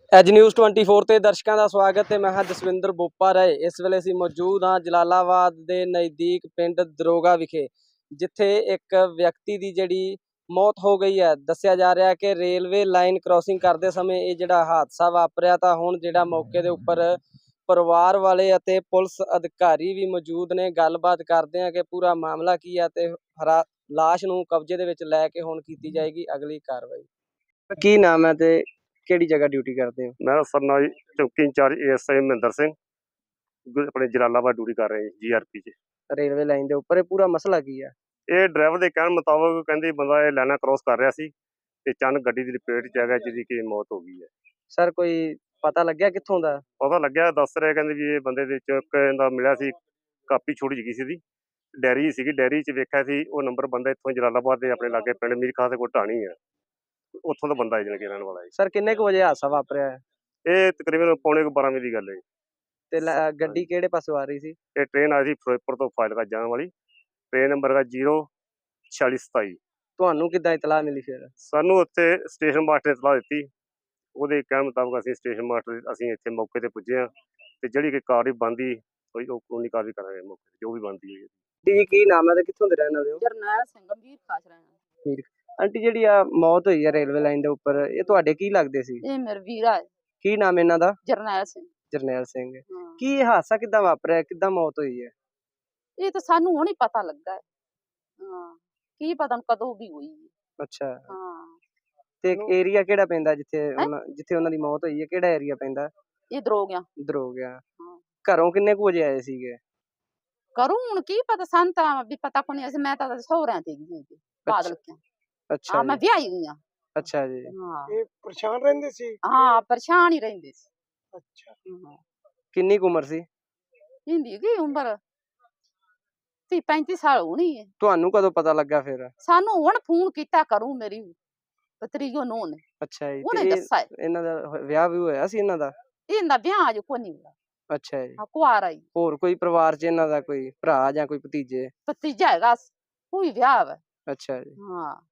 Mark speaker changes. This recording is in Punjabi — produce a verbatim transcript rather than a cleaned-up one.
Speaker 1: ਐਜ ਨਿਊਜ਼ ਟਵੰਟੀ फोर ਤੇ ਦਰਸ਼ਕਾਂ ਦਾ ਸਵਾਗਤ ਹੈ। ਮੈਂ ਹਾਂ ਜਸਵਿੰਦਰ ਬੋਪਾ ਰਾਏ। ਇਸ ਵੇਲੇ ਅਸੀਂ ਮੌਜੂਦ ਹਾਂ ਜਲਾਲਾਬਾਦ ਦੇ ਨਜ਼ਦੀਕ ਪਿੰਡ ਦਰੋਗਾ ਵਿਖੇ, ਜਿੱਥੇ ਇੱਕ ਵਿਅਕਤੀ ਦੀ ਜਿਹੜੀ ਮੌਤ ਹੋ ਗਈ ਹੈ। ਦੱਸਿਆ ਜਾ ਰਿਹਾ ਕਿ ਰੇਲਵੇ ਲਾਈਨ ਕ੍ਰੋਸਿੰਗ ਕਰਦੇ ਸਮੇਂ ਇਹ ਜਿਹੜਾ ਹਾਦਸਾ ਵਾਪਰਿਆ। ਤਾਂ ਹੁਣ ਜਿਹੜਾ ਮੌਕੇ ਦੇ ਉੱਪਰ ਪਰਿਵਾਰ ਵਾਲੇ ਅਤੇ ਪੁਲਿਸ ਅਧਿਕਾਰੀ ਵੀ ਮੌਜੂਦ ਨੇ। ਗੱਲਬਾਤ ਕਰਦੇ ਆ ਕਿ ਪੂਰਾ ਮਾਮਲਾ ਕੀ ਹੈ ਤੇ ਹਰਾ ਲਾਸ਼ ਨੂੰ ਕਬਜ਼ੇ ਦੇ ਵਿੱਚ ਲੈ ਕੇ ਹੁਣ ਕੀਤੀ ਜਾਏਗੀ ਅਗਲੀ ਕਾਰਵਾਈ। ਕੀ ਨਾਮ ਹੈ ਤੇ ਕਿਹੜੀ ਜਗ੍ਹਾ ਡਿਊਟੀ ਕਰਦੇ ਹੋ?
Speaker 2: मैं सरनाई चौकी incharge A S I Mahendra Singh अपने जलालाबाद ड्यूटी कर रहे हैं जी आर पी च।
Speaker 1: ਰੇਲਵੇ ਲਾਈਨ ਦੇ ਉੱਪਰ ਇਹ ਪੂਰਾ ਮਸਲਾ ਕੀ ਹੈ?
Speaker 2: ਇਹ ਡਰਾਈਵਰ ਦੇ ਕਹਿਣ ਮੁਤਾਬਕ ਕਹਿੰਦੇ ਬੰਦਾ ਇਹ ਲਾਈਨਾਂ ਕ੍ਰੋਸ ਕਰ ਰਿਹਾ ਸੀ ਤੇ ਅਚਾਨਕ ਗੱਡੀ ਦੀ ਲਪੇਟ ਚ ਆ ਗਿਆ, ਜਿਹਦੀ ਕਿ ਮੌਤ ਹੋ ਗਈ ਹੈ।
Speaker 1: ਸਰ ਕੋਈ ਪਤਾ ਲੱਗਿਆ ਕਿੱਥੋਂ ਦਾ?
Speaker 2: ਪਤਾ ਲੱਗਿਆ, ਦੱਸ ਰਹੇ ਕਹਿੰਦੇ ਵੀ ਇਹ ਬੰਦੇ ਦੇ ਚ ਇਹਦਾ ਮਿਲਿਆ ਸੀ, ਕਾਪੀ ਛੋਟੀ ਜਿਹੀ ਸੀ, ਦੀ ਡੈਰੀ ਸੀਗੀ, ਡੈਰੀ ਚ ਵੇਖਿਆ ਸੀ ਉਹ ਨੰਬਰ ਬੰਦਾ ਇੱਥੋਂ ਜਲਾਲਾਬਾਦ ਦੇ ਆਪਣੇ ਲਾਗੇ ਪਿੰਡ ਮੀਰ ਖਾਂ ਦੇ ਕੋਲ ਢਾਣੀ ਹੈ, ਉੱਥੋਂ ਦਾ ਬੰਦਾ ਹੈ ਜਿਹੜਾ ਰਹਿਣ ਵਾਲਾ ਹੈ।
Speaker 1: ਸਰ ਕਿੰਨੇ ਕੁ ਵਜੇ ਹਾਦਸਾ ਵਾਪਰਿਆ ਹੈ?
Speaker 2: ਇਹ ਤਕਰੀਬਨ ਪੌਣੇ ਕੁ ਬਾਰਾਂ ਵਜੇ ਦੀ ਗੱਲ ਹੈ।
Speaker 1: ਤੇ ਗੱਡੀ ਕਿਹੜੇ ਪਾਸੋਂ ਆ ਰਹੀ ਸੀ?
Speaker 2: ਇਹ ਟ੍ਰੇਨ ਆਈ ਸੀ ਫਿਰੋਜ਼ਪੁਰ ਤੋਂ ਫਾਜ਼ਿਲਕਾ ਜਾਣ ਵਾਲੀ, ਟ੍ਰੇਨ ਨੰਬਰ ਹੈ ਜ਼ੀਰੋ ਛਿਆਲੀ ਸਤਾਈ।
Speaker 1: ਤੁਹਾਨੂੰ ਕਿੱਦਾਂ ਇਤਲਾਹ ਮਿਲੀ ਫਿਰ?
Speaker 2: ਸਾਨੂੰ ਉੱਥੇ ਸਟੇਸ਼ਨ ਮਾਸਟਰ ਨੇ ਇਤਲਾਹ ਦਿੱਤੀ, ਉਹਦੇ ਕਹਿਣ ਮੁਤਾਬਕ ਅਸੀਂ ਸਟੇਸ਼ਨ ਮਾਸਟਰ ਅਸੀਂ ਇੱਥੇ ਮੌਕੇ ਤੇ ਪੁੱਜੇ ਹਾਂ ਤੇ ਜਿਹੜੀ ਕਿ ਕਾਰਵਾਈ ਬਣਦੀ ਕੋਈ ਉਹ ਕਾਨੂੰਨੀ ਕਾਰਵਾਈ ਕਰਾਂਗੇ ਮੌਕੇ ਤੇ, ਜੋ ਵੀ ਬਣਦੀ ਹੈ।
Speaker 1: ਜੀ ਕੀ ਨਾਮ ਹੈ ਤੇ ਕਿੱਥੋਂ ਦੇ ਰਹਿਣ ਵਾਲੇ ਹੋ?
Speaker 3: ਜਰਨੈਲ ਸਿੰਘ ਮੀਰ ਖਾਸ ਰਹਿਣਾ।
Speaker 1: ਆਂਟੀ ਜਿਹੜੀ ਆ ਮੌਤ ਹੋਈ ਹੈ ਰੇਲਵੇ ਲਾਈਨ ਦੇ ਉੱਪਰ, ਇਹ ਤੁਹਾਡੇ ਕੀ ਲੱਗਦੇ ਸੀ?
Speaker 3: ਇਹ ਮੇਰਾ ਵੀਰਾ ਹੈ
Speaker 1: ਕੀ ਨਾਮ ਇਹਨਾਂ ਦਾ?
Speaker 3: ਜਰਨੈਲ ਸਿੰਘ।
Speaker 1: ਜਰਨੈਲ ਸਿੰਘ।
Speaker 3: ਹਾਂ।
Speaker 1: ਕੀ ਇਹ ਹਾਦਸਾ ਕਿੱਦਾਂ ਵਾਪਰਿਆ, ਕਿੱਦਾਂ ਮੌਤ ਹੋਈ ਹੈ?
Speaker 3: ਇਹ ਤਾਂ ਸਾਨੂੰ ਹੁਣ ਹੀ ਪਤਾ ਲੱਗਾ ਹੈ। ਹਾਂ, ਕੀ ਪਤਾ ਕਦੋਂ ਵੀ ਹੋਈ ਹੈ।
Speaker 1: ਅੱਛਾ।
Speaker 3: ਹਾਂ।
Speaker 1: ਤੇ ਏਰੀਆ ਕਿਹੜਾ ਪੈਂਦਾ ਜਿੱਥੇ ਉਹਨਾਂ ਜਿੱਥੇ ਉਹਨਾਂ ਦੀ ਮੌਤ ਹੋਈ ਹੈ? ਕਿਹੜਾ ਏਰੀਆ ਪੈਂਦਾ?
Speaker 3: ਇਹ ਦਰੋਗਿਆ।
Speaker 1: ਦਰੋਗਿਆ।
Speaker 3: ਹਾਂ।
Speaker 1: ਘਰੋਂ ਕਿੰਨੇ ਕੁ ਵਜੇ ਆਏ ਸੀਗੇ?
Speaker 3: ਕਰੂੰ ਹੁਣ ਕੀ ਪਤਾ, ਸਾਨੂੰ ਤਾਂ ਵੀ ਪਤਾ ਕੋਈ ਨਹੀਂ। ਮੈਂ ਤਾਂ ਸਹੁਰਿਆਂ ਤੇ ਗਈ ਸੀ ਬਾਦਲ ਕੇ।
Speaker 1: ਅੱਛਾ
Speaker 3: ਹਾਂ, ਮੈਂ ਵਿਆਹੀ ਗਈ ਹਾਂ।
Speaker 1: ਅੱਛਾ ਜੀ।
Speaker 3: ਹਾਂ।
Speaker 4: ਇਹ ਪਰੇਸ਼ਾਨ ਰਹਿੰਦੇ ਸੀ?
Speaker 3: ਹਾਂ, ਪਰੇਸ਼ਾਨ ਹੀ ਰਹਿੰਦੇ ਸੀ।
Speaker 4: ਅੱਛਾ।
Speaker 3: ਹਾਂ।
Speaker 1: ਕਿੰਨੀ ਕੁ ਉਮਰ ਸੀ?
Speaker 3: ਇਹਦੀ ਕੀ ਉਮਰ ਤੀਹ ਪੈਂਤੀ ਸਾਲ ਹੋਣੀ ਹੈ।
Speaker 1: ਤੁਹਾਨੂੰ ਕਦੋਂ ਪਤਾ ਲੱਗਾ ਫਿਰ?
Speaker 3: ਸਾਨੂੰ ਹੁਣ ਫੋਨ ਕੀਤਾ ਕਰੂ ਮੇਰੀ ਪਤਰੀਓ ਨੂੰ ਨੇ।
Speaker 1: ਅੱਛਾ ਜੀ।
Speaker 3: ਉਹਨੇ
Speaker 1: ਤੇ
Speaker 3: ਦੱਸਿਆ
Speaker 1: ਇਹਨਾਂ ਦਾ ਵਿਆਹ ਵੀ ਹੋਇਆ ਸੀ ਇਹਨਾਂ ਦਾ?
Speaker 3: ਇਹਦਾ ਵਿਆਹ ਅਜੇ ਕੋਈ ਨਹੀਂ ਹੋਇਆ।
Speaker 1: ਅੱਛਾ ਜੀ।
Speaker 3: ਹਾਂ, ਕੁਆਰਾ ਹੀ।
Speaker 1: ਹੋਰ ਕੋਈ ਪਰਿਵਾਰ ਚ ਇਹਨਾਂ ਦਾ ਕੋਈ ਭਰਾ ਜਾਂ ਕੋਈ ਭਤੀਜੇ?
Speaker 3: ਭਤੀਜਾ ਹੈਗਾ, ਉਹ ਵੀ ਵਿਆਹ ਵਾ।
Speaker 1: ਅੱਛਾ ਜੀ।
Speaker 3: ਹਾਂ।